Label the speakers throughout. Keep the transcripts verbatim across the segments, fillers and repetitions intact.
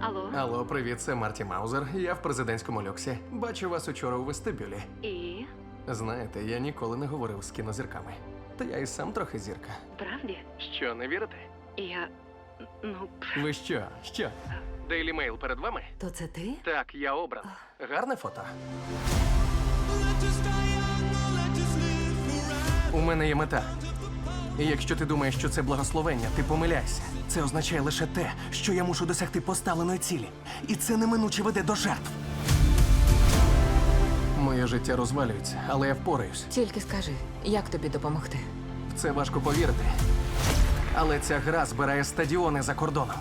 Speaker 1: Алло?
Speaker 2: Алло, привіт, це Марті Маузер. Я в президентському люксі. Бачу вас учора у вестибюлі.
Speaker 1: І?
Speaker 2: Знаєте, я ніколи не говорив з кінозірками. Та я і сам трохи зірка.
Speaker 1: Правді?
Speaker 2: Що, не вірите?
Speaker 1: Я. Ну.
Speaker 2: Ви що? Що? Дейлі Мейл перед вами?
Speaker 3: То це ти?
Speaker 2: Так, я обран. Гарне фото. У мене є мета. І якщо ти думаєш, що це благословення, ти помиляйся. Це означає лише те, що я мушу досягти поставленої цілі. І це неминуче веде до жертв. Моє життя розвалюється, але я впораюсь.
Speaker 3: Тільки скажи, як тобі допомогти?
Speaker 2: В це важко повірити. Але ця гра збирає стадіони за кордоном.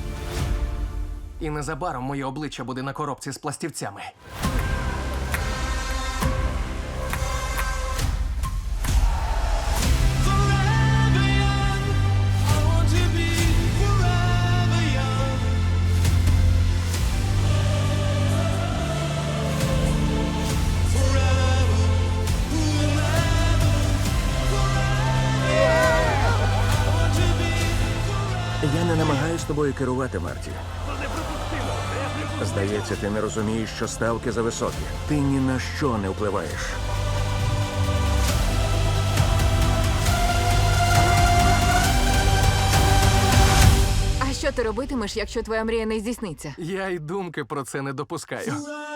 Speaker 2: І незабаром моє обличчя буде на коробці з пластівцями.
Speaker 4: Я не намагаюсь тобою керувати, Марті. Здається, ти не розумієш, що ставки зависокі. Ти ні на що не впливаєш.
Speaker 3: А що ти робитимеш, якщо твоя мрія не здійсниться?
Speaker 2: Я й думки про це не допускаю.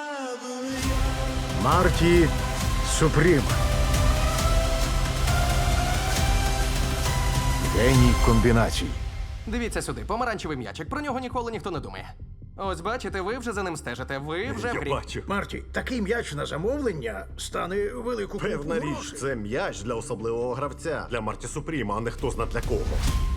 Speaker 4: Марті Супрім. Геній комбінацій.
Speaker 2: Дивіться сюди, помаранчевий м'ячик. Про нього ніколи ніхто не думає. Ось бачите, ви вже за ним стежите. Ви вже в грі.
Speaker 5: Я бачу.
Speaker 6: Марті, такий м'яч на замовлення стане велику
Speaker 5: Певна
Speaker 6: купу
Speaker 5: річ,
Speaker 6: грошей.
Speaker 5: це м'яч для особливого гравця. Для Марті Супріма, а не хто зна для кого.